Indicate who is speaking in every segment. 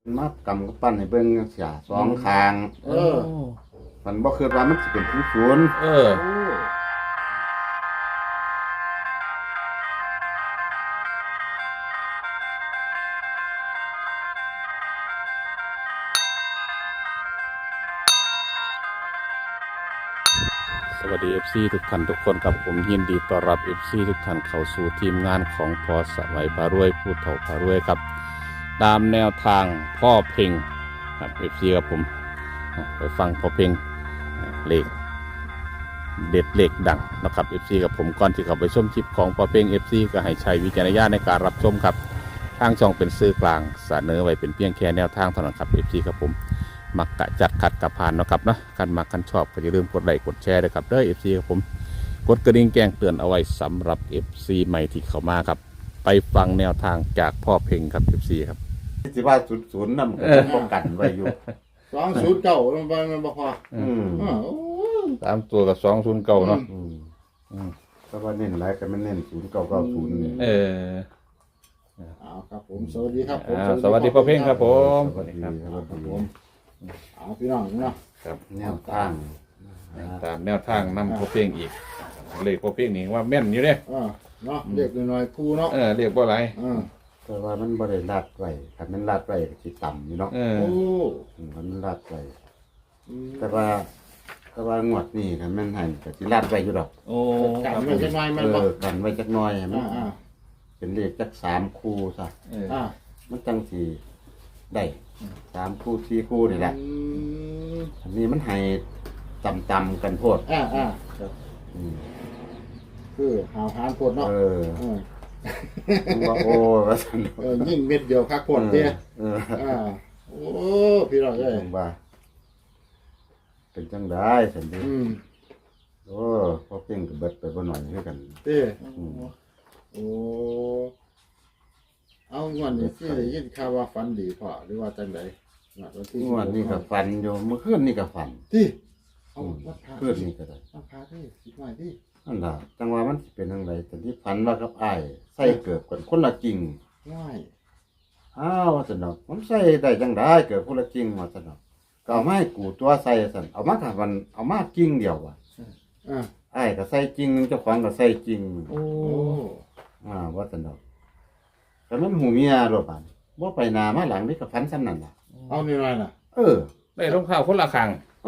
Speaker 1: มากำกับปั้นให้เบิ่งจังซี่สองข้างมันบ่คิดว่ามันสิเป็นศูนย์
Speaker 2: เออ
Speaker 3: โอ้
Speaker 2: สวัสดี FC ทุกท่านทุกคนครับผมยินดีต้อนรับ FC ทุกท่านเข้าสู่ทีมงานของพอสวัยพารวยผู้เฒ่าพารวยครับตามแนวทางพ่อเพ่งครับ FC ครับผมไปฟังพ่อเพ่งเลขเด็ดเลขดังนะครับ FC กับผมก่อนที่เข้าไปชมคลิปของพ่อเพ่ง FC ก็ให้ใช้วิจารณญาณในการรับชมครับทางช่องเป็นสื่อกลางเสนอไว้เป็นเพียงแค่แนวทางเท่านั้นครับ FC ครับผมมักกะจัดขัดกับผ่านนะครับนะกันมากันชอบก็อย่าลืมกดไลค์กดแชร์ด้วยครับเด้อ FC ครับผมกดกระดิ่งแจ้งเตือนเอาไว้สำหรับ FC ใหม่ที่เข้ามาครับไปฟังแนวทางจากพ่อเพ่งครับ FC ครับ
Speaker 1: สิว่าศูนย์นำก็ป้องกันไว้อยู่
Speaker 3: 209มันบ่พอโอ้
Speaker 2: ตามตัวกับ209เนาะ
Speaker 1: เพราะว่าเน้นหลายก็มันเน้น0990นี่
Speaker 3: เอาครับผมสวัสดีครับผม
Speaker 2: สวัสดีพ่อเพ่งครับผม
Speaker 1: สวัสดีครับ
Speaker 3: ผมเอาพี่น้องเนาะ
Speaker 2: ครับ
Speaker 1: แนวทาง
Speaker 2: ตามแนวทางนำพ่อเพ่งอีกเลขพ่อเพ่งนี่ว่าแม่นอยู่เด้
Speaker 3: เนาะเรียกหน่อยๆครูเนาะ
Speaker 2: เรียกว่าอะไร
Speaker 1: แต่ว่ามันบ่ได้ลาดไว้ถ้ามันลาดไว้ก็สิต่ำอยู่เนาะ
Speaker 3: โอ้
Speaker 1: มันลาดไว้แต่ว่างวดนี้ถ้ามันให้ก็สิลาดไว้อยู่ดอก
Speaker 2: โอ้
Speaker 3: กันไว้จักหน่อยมันบ่
Speaker 1: กันไว้จักหน่อยให้มัน
Speaker 3: อ่า
Speaker 1: เป็นเลขจัก3คู่ซะ มันจังสิได้3คู่4คู่นี่แหละอันนี้มันให้ต่ำๆกันโพด
Speaker 3: ครับคือหาวหานปวดเนาะ
Speaker 1: มันว่าโอ้ว่าซั่น
Speaker 3: ยิ่งเม็ดเดียวคักปวดเด้โอ้พี่น้องเอ้ย
Speaker 1: ผมว่าเป็นจังได้ซั่นเด้โอ้พอเพ่งก็เบิดไปบ่หน่อยคือกัน
Speaker 3: เด้โอ้เอางอนนี่สิได้ยินข่าวว่าฝันดีพอหรือว่าจังได๋
Speaker 1: งวดนี้ก็ฝันอยู่เมื่อคืนนี่ก็ฝัน
Speaker 3: ติเอาวัดพระ
Speaker 1: คืนนี้ก็ได้
Speaker 3: เอาพระดิสิหน่อยดิ
Speaker 1: นั่นล่ะจังว่ามันสิเป็นจังไดแต่ที่ฝันว่ากับอ้ายใส่เกือบกันคนละกิ่ง
Speaker 3: ง่าย
Speaker 1: อ้าวว่าซั่นดอกมันใส่ได้จังได๋เกือบคนละกิ่งว่าซั่นดอกก็เอามาให้กูตัวใส่ซั่นเอามาค่ะมันเอามากิ่งเดียวว่ะ อ้ายก็ใส่กิ่งนึงเจ้าของก็ใส่กิ่ง
Speaker 3: โอ้
Speaker 1: ว่าซั่นดอกแต่มันหูเมียโลดบาดบ่ไปหน้ามาหลังนี่ก็ฝันซ้ำนั่นล่ะ
Speaker 3: เอานี่หน่อยน่ะ
Speaker 2: ได้รองเท้าคนละข้าง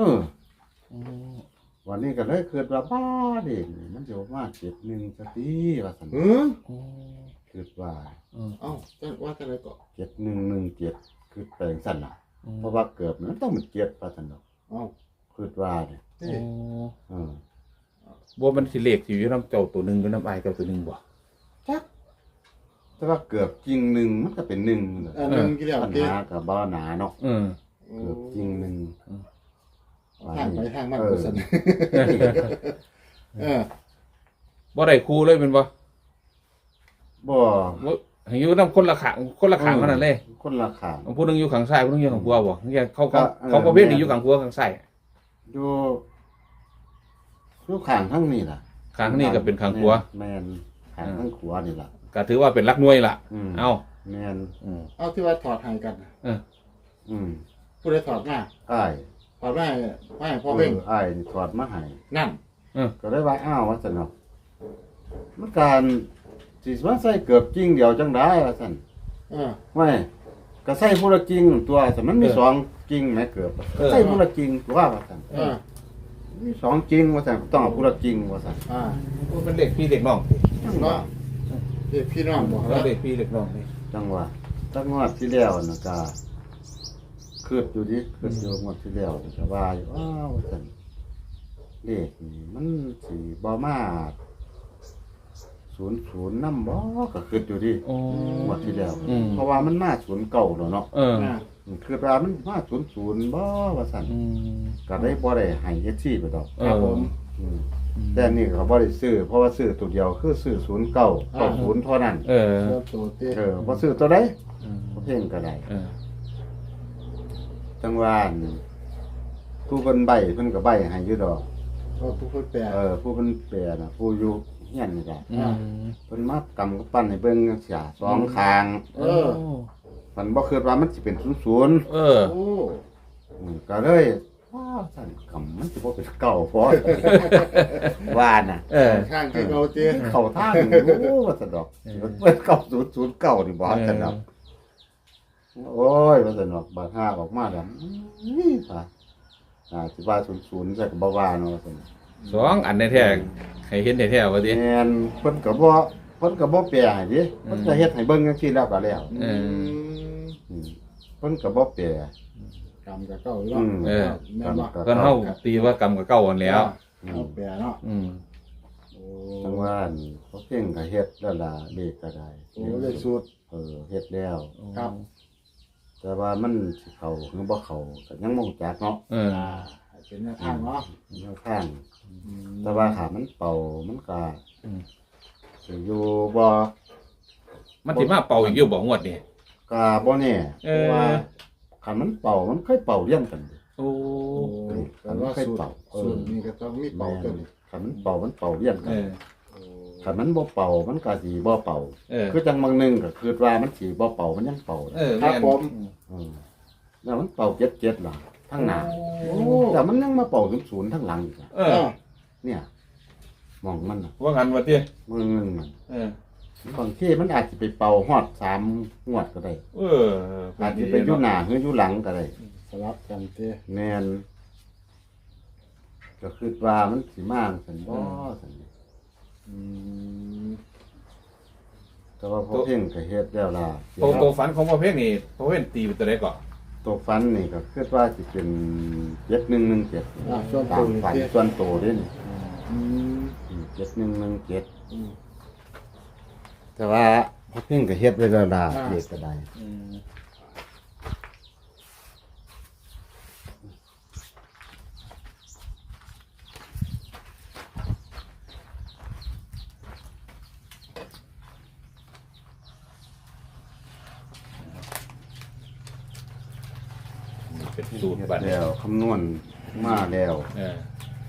Speaker 1: วันนี้ก็เลยคิดว่าบ้าเด็กมันสิมา71ซะติว่าซั่นคิดว่า
Speaker 3: เอ้าว่าจังได๋ก็
Speaker 1: 7117คือแปลงซั่นล่ะเพราะว่าเกือบมันต้องเป็นเกียรติว่าซั่นดอก
Speaker 3: เอ้า
Speaker 1: คิดว่าเนี่ย
Speaker 2: บ่มันสิเลขสิอยู่นำเจ้าตัวหนึงอยู่นำอ้ายเจ้าตัวหนึงบ่
Speaker 1: จักแต่ว่าเกือบจริงหนึ่งมันก็เป็นหนึ่งเลย
Speaker 3: นึงกี่แล้ว
Speaker 1: ปัญ
Speaker 3: ติ
Speaker 1: หากับบ่หนาเนาะเกือบจริงหนึ่ง
Speaker 3: ทางไปทางมันบ่ซั่น
Speaker 2: บ่ได้คู่เลยแม่นบ่
Speaker 1: บ่
Speaker 2: ให้อยู่นำคนละข้างเท่านั้นเลย
Speaker 1: คนละข้าง
Speaker 2: ผู้หนึงอยู่ข้างซ้ายผู้หนึงอยู่ข้างขวาบ่เขาประเภทนี้อยู่ข้างขวาข้างซ้าย
Speaker 1: อยู่ข้างทั้งนี้ล่ะ
Speaker 2: ข้างนี้ก็เป็นข้างขวา
Speaker 1: แม่นข้างทั้งขวานี่ล่ะ
Speaker 2: ก็ถือว่าเป็นหลักหน่วยล่ะเอ้า
Speaker 1: แม่น
Speaker 3: เอาที่ว่าถอดให้กัน ผู้ใดถอดมา
Speaker 1: อ้าย
Speaker 3: ถอดมาให้พ่อเพ่ง
Speaker 1: อ้ายนี่ถอดมาให้
Speaker 3: นั่น
Speaker 1: ก็เลยว่าอ้าวว่าซั่นเนาะมันการสิมาใส่เกือบจริงเดียวจังได๋ว่าซั่น ไม่ก็ใส่ผู้ละกิ่งตัวแต่มันมีสองกิ่งแม่เกือบใส่ผู้ละกิ่งตัวว่าซั่นมีสองกิ่งว่าซั่นต้องเอาผู้ละกิ่งว่าซั่น
Speaker 2: มันเป็นเด็กพี่เด็กน้อง
Speaker 1: จังว่า
Speaker 3: เด็กพี่น้องบ่
Speaker 2: แล้วเด็กพี่เด็กน้องนี่
Speaker 1: จังว่าตั้งงวดที่แล้วน่ะก็คิดอยู่งวดที่แล้วก็ว่าอยู่อ้าวว่าซั่นเลขนี่มันสิบ่มา00นำบ่ก็คิดอยู่ดิงวดที่แล้วเพราะว่ามันมา09แล้วเนาะคือว่ามันมา00บ่ว่าซั่นก็ได้บ่ได้ให้เฮ็ดซี่ไปดอก
Speaker 3: ครับผม
Speaker 1: แต่นี่เขาบ่ได้ซื้อเพราะว่าซื้อตัวเดียวคือซื้อ09 90เท่านั้น
Speaker 3: ตัวเต้
Speaker 1: บ่ซื้อตัวใดบ่เพ่งก็ได้จังว่าผู้เพิ่นใบเพิ่นก็ใบให้อยู่ดอก
Speaker 3: ผู้คนแปล
Speaker 1: ผู้เพิ่นแปลน่ะผู้อยู่เฮียนนี่ก็เพิ่นมากำกับปั้นให้เบิ่งจังซี่สองข้างมัฝันบ่คิดว่ามันสิเป็น00
Speaker 2: เออ
Speaker 3: โอ้
Speaker 1: ก็เลยว้าวสั่นกำมันสิบ่เป็นเก่าพอ ว่าน่ะ
Speaker 2: เออ
Speaker 3: ข้างที่เราเจอ
Speaker 1: เข้าทางโอ้ว่าสะดอกเปิด9009นี่บ่สะดอกโอ้ยว่าสะดอกบาดห้าออกมาแล้วนี่ค่ะสิว่า00ใส่ก็บ่ว่าเนาะว่าซั่น
Speaker 2: สองอันในแท้ให้เห็นแท้ๆว่าติ
Speaker 1: แม่นเพิ่นก็บ่แปลให้ดิเพิ่นก็เฮ็ดให้เบิ่งจังซี่แล้วก็แล้ว
Speaker 2: เออ
Speaker 1: อืมเพิ่นก็บ่แปล
Speaker 3: กรรมกับเก่าอยู่
Speaker 1: อื
Speaker 3: เนาะ
Speaker 1: ม
Speaker 2: เออ
Speaker 3: แม่นบ่
Speaker 1: กรรม
Speaker 2: เพิ่นเฮาตีว่ากรรมกับเก่าอันแล้ว
Speaker 3: เอาแปรเนาะ
Speaker 2: อืม
Speaker 3: โอ้
Speaker 1: จังว่านี่เขาเพ่งก็เฮ็ดแล้วล่ะเลขก็ได้
Speaker 3: โอ้เลยสูตร
Speaker 1: เฮ็ดแล้ว
Speaker 3: ครับ
Speaker 1: แต่ว่ามันสิเข้าหรือบ่เข้าก็ยังบ่รู้จักเนาะ
Speaker 2: เออ
Speaker 3: เป็นแนวทางเนาะ
Speaker 1: แนวทางแต่ว่าถ้ามันเป่ามันก็
Speaker 2: อืม
Speaker 1: สิอยู่บ่
Speaker 2: มันสิมาเป่าอีกอยู่บ่งวดนี่
Speaker 1: ก็บ่แน่
Speaker 2: เอ
Speaker 1: เพ
Speaker 2: อ
Speaker 1: ราะว่าคันมันเป่ามันเคยเป่าเรียงกัน
Speaker 2: โอ้
Speaker 3: โอ้แต่ว่าสูตรสูตรนี้ก็ต้องมีเป่าตัวนี้
Speaker 1: คันมันเป่ามันเป่าเรียงกั
Speaker 2: เอน อ
Speaker 3: โอ้
Speaker 1: คันมันบ่เป่ามันก็สิบ่เป่า
Speaker 2: เออ
Speaker 1: คือจังบางหนึงก็คิดว่ามันสิบ่เป่ามันยังเป่า
Speaker 2: เออ
Speaker 3: ครับผม
Speaker 1: แล้วมันเป่า7ล่ะทั้งหน้า
Speaker 3: โอ้
Speaker 1: แต่มันยังมาเป่า00ทั้งหลังอีกอะ
Speaker 2: เออ
Speaker 1: เนี่ยมองมันน่ะ
Speaker 2: ว่างั้นว่าติ
Speaker 1: มือนึงมัน
Speaker 2: เออบ
Speaker 1: างทีมันอาจจะไปเป่าฮอด3งวดก็ได้
Speaker 2: เออ
Speaker 1: อาจจะไปอยู่หน้าหรืออยู่หลังก็ได้
Speaker 3: สลับกันเจ
Speaker 1: แม่นก็คิดว่ามันสิมาซั่นบ่ซั่น
Speaker 3: อืม
Speaker 1: แต่ว่าพอเพ่งก็เฮ็ดแล้วล่ะ
Speaker 2: โตฝันของพ่อเพ่งนี่พ่อเพ่งตีเป็นตัวใดก่อน
Speaker 1: ตัวฟันนี่ก็คิดว่าสิเป็น7117
Speaker 3: ส่วน
Speaker 1: ตา
Speaker 3: ตัว
Speaker 1: ม
Speaker 3: นี่
Speaker 1: ฝัน
Speaker 3: เจ
Speaker 1: ส่วนโตเด้นี่
Speaker 3: อืม
Speaker 1: 7117
Speaker 3: อืม
Speaker 1: แต่ว่าพอเพ่งก็เฮ็ดไว้แล้วล่ะ
Speaker 3: อ่า
Speaker 1: เฮ็ดก็ได้
Speaker 2: อืมเป็นสูตร
Speaker 1: เฮ็ด
Speaker 2: บัดนี้
Speaker 1: แล้วคำนวณมาแล้ว
Speaker 2: เออบ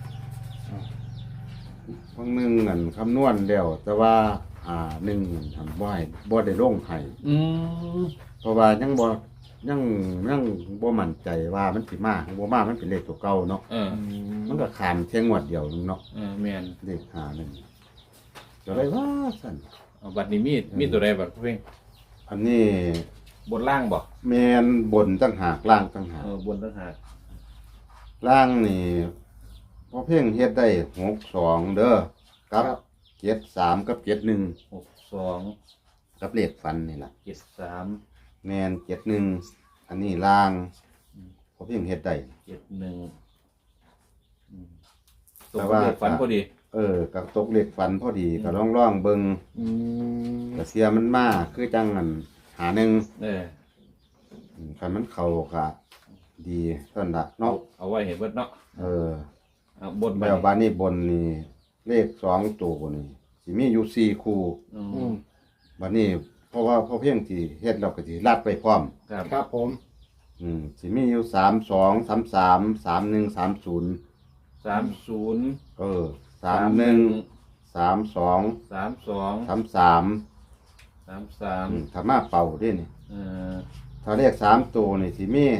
Speaker 1: างหนึงนั่นคำนวณแล้วแต่ว่าหนึ่งทำบ่ให้บ่ได้ลงให้
Speaker 2: อืม
Speaker 1: เพราะว่ายังบ่มั่นใจว่ามันสิมาบ่มามันเป็นเลขตัวเก่าเนาะ
Speaker 2: เออ
Speaker 1: มันก็ขามเที่ยงงวดเดียวนึงเนาะ
Speaker 2: เออแม่น
Speaker 1: เลขนึงก็เลยว่าซั่น
Speaker 2: เอาบัดนี้มีตัวใดบัดพ่อเพ่ง
Speaker 1: อันนี้
Speaker 2: บนล่างบ่
Speaker 1: แม่นบนตั้งหากล่างตั้งหาก
Speaker 2: บนต่างหาก
Speaker 1: ล่างนี่พอเพ่งเฮ็ดได้62เด้อกับ73กับ71
Speaker 2: 62
Speaker 1: กับเลขฟันนี่ล่ะ
Speaker 2: 73
Speaker 1: แม่น71อันนี้ล่างพอเพ่งเฮ็ดได้
Speaker 2: 71อืมต
Speaker 1: แต่
Speaker 2: รง
Speaker 1: ว่า
Speaker 2: เลขฝันพอดี
Speaker 1: กับตกเลขฟันพอดีก็ล่องๆเบิ่ง
Speaker 3: อืม
Speaker 1: ก็เสียมันมาคือจังอันหาหนึ่ง
Speaker 2: เออ
Speaker 1: คันมันเข้าก็ดีเท่านั้นละเนาะ
Speaker 2: เอาไว้เห็นเบิดเนาะ เอาบน
Speaker 1: แล้วบ้านนี้บนนี่เลข2ตัวนี่สิมีอยู่4คู่
Speaker 2: อื
Speaker 3: อื
Speaker 2: ม
Speaker 3: ม
Speaker 1: บัดนี้เพราะว่าพอเพียงที่เฮ็ดแล้วก็สิลัดไปพร้อม
Speaker 2: ครับ
Speaker 3: ครับผม
Speaker 1: สิมีอยู่32 33 31 30
Speaker 2: 30
Speaker 1: 31 32
Speaker 2: 32
Speaker 1: 33
Speaker 2: 33
Speaker 1: ถ้ามาเป่าเด้นี่
Speaker 2: เออ
Speaker 1: ถ้าเลข3ตัวนี่สิมี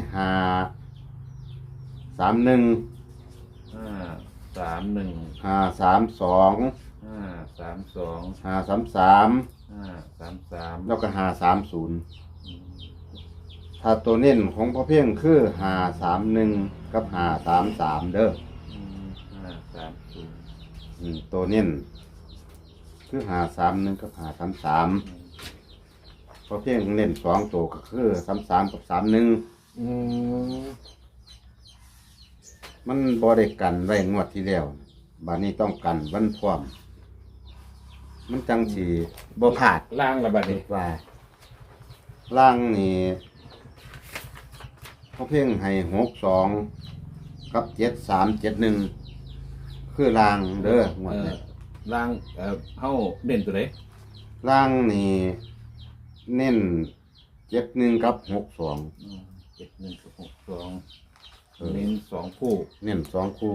Speaker 1: 5 31
Speaker 2: 531
Speaker 1: 532
Speaker 2: 532
Speaker 1: 533
Speaker 2: 533
Speaker 1: แล้วก็530ถ้าตัวเน้นของพ่อเพ่งคือ531กับ533เด้อ
Speaker 2: 530
Speaker 1: ตัวเน้นคือ531กับ533พ่อเพ่งเน้น2ตัวก็คือ33กับ31
Speaker 3: อืม
Speaker 1: มันบ่ได้กันไว้งวดที่แล้วบัดนี้ต้องกันวันพร้อมมันจังสิบ่พลาด
Speaker 2: ล่างละบัดนี้
Speaker 1: ว่าล่างนี่เขาเพ่งให้62กับ7371คือล่างเด้อหมดเลย
Speaker 2: ล่างเฮาเด่นตัวใด
Speaker 1: ล่างนี่เน้น71กับ62
Speaker 2: 71กับ62เน้น2คู่
Speaker 1: เน้น2คู่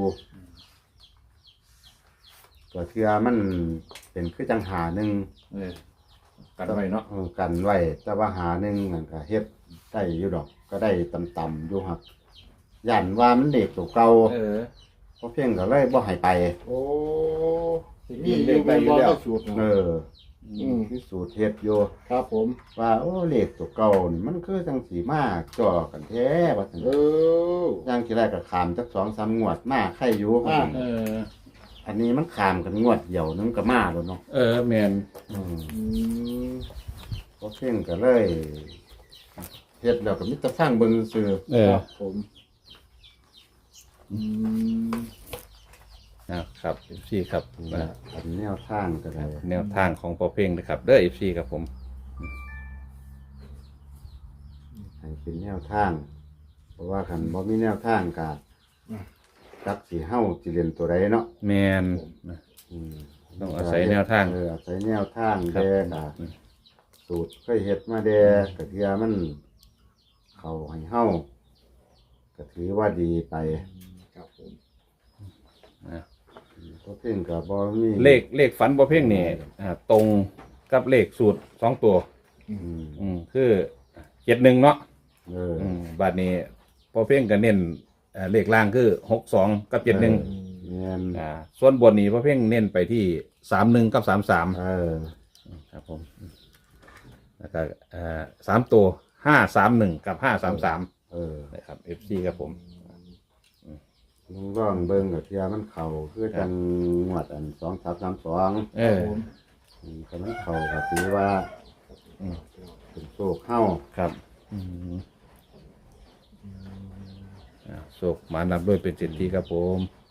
Speaker 1: ก็เทื่อมันเป็นคือจังหาหนึ่ง
Speaker 2: เออกันไว้เนาะ
Speaker 1: กันไว้แต่ว่าหาหนึ่งนั่นก็เฮ็ดได้อยู่ดอก ก็ได้ต่ำๆอยู่ครับย่านว่ามันเด็กตัวเก่าเพราะเพียงก็เลยบ่ให้ไป
Speaker 3: โอ้มีอยู่เป็นบ่ได้สูตรนะ
Speaker 1: พิสูจน์เฮ็ดอยู่
Speaker 3: ครับผม
Speaker 1: ว่าโอ้เลขตัวเก่านี่มันคือจังสีมากจ่อกันแท้ว่าซั่น อย่างที่แรกก็ขามจัก2-3 งวดมาใครอยู่ครับผมอันนี้มันขามกันงวดเดียวนึงก็มาแล้วเนาะ
Speaker 2: แมน
Speaker 1: พอเพ่งก็เลยเฮ็ดแล้วก็มิตรสร้างเบิ่งซื่อ
Speaker 3: ครับผมอืม
Speaker 2: ครับ FC ครับ
Speaker 1: อันแนวทางก็ได้
Speaker 2: แนวทางของพอเพ่งนะครับเด้อ FC ครับผม
Speaker 1: ให้เป็นแนวทาง เพราะว่าคันบ่มีแนวทางก็จักสิเฮาสิเล่นตัวใดเนาะ
Speaker 2: แมน ต้องอาศัยแนวทาง
Speaker 1: อาศัยแนวทาง
Speaker 2: ครับ
Speaker 1: แดก็สูตรเคยเฮ็ดมาแดก็เทื่อมันเข้าให้เฮาก็ถือว่าดีไป
Speaker 3: ครับผม
Speaker 1: พอเพ่งก็บ่มี
Speaker 2: เลขฝันพอเพ่งนี่ตรงกับเลขสูตร2ตัว คือ71เนาะบาดนี้พอเพ่งก็เน้นเลขล่างคือ62กับ71
Speaker 1: แม่น
Speaker 2: ส่วนบนนี้พอเพ่งเน้นไปที่31กับ33ครับผมแล้วก็3ตัว531กับ533นะครับ FC ครับผม
Speaker 1: ลุงร่องเบิ่งก็เทื่อมันเข้าคือจังงวดอัน2332ก็มันเข้าก็ถือว่าเป็นโชคเฮา
Speaker 2: ครับโศกหมานับด้วยเป็นเศรษฐีครับผม